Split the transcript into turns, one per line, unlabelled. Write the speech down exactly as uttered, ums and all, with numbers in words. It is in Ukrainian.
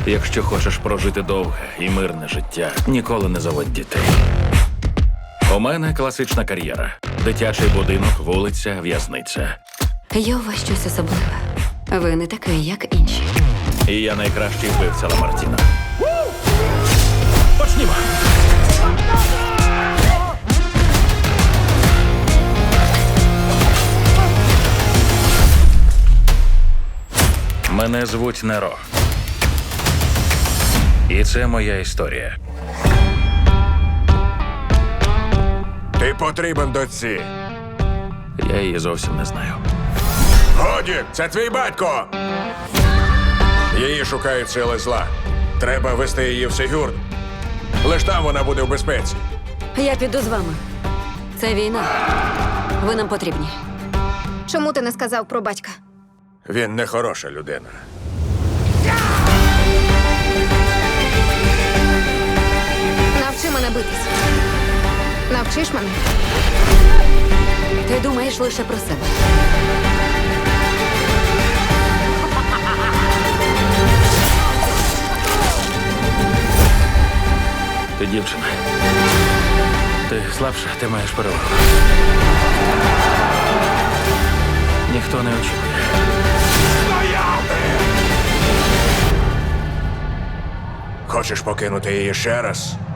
Якщо хочеш прожити довге і мирне життя, ніколи не заводь дітей. У мене класична кар'єра. Дитячий будинок, вулиця, в'язниця.
Є у вас щось особливе. Ви не такий, як інші.
І я найкращий вбивця Ламартіна. Почнімо! Мене звуть Неро. І це моя історія.
Ти потрібен дочці.
Я її зовсім не знаю.
Годі, це твій батько. Її шукають сили зла. Треба вести її в Сигюрд. Лиш там вона буде в безпеці.
Я піду з вами. Це війна. Ви нам потрібні.
Чому ти не сказав про батька?
Він не хороша людина.
Навчи мене битись. Навчиш мене?
Ти думаєш лише про себе.
Ти дівчина. Ти слабша, ти маєш перевагу. Ніхто не очікує.
Хочеш покинути її ще раз?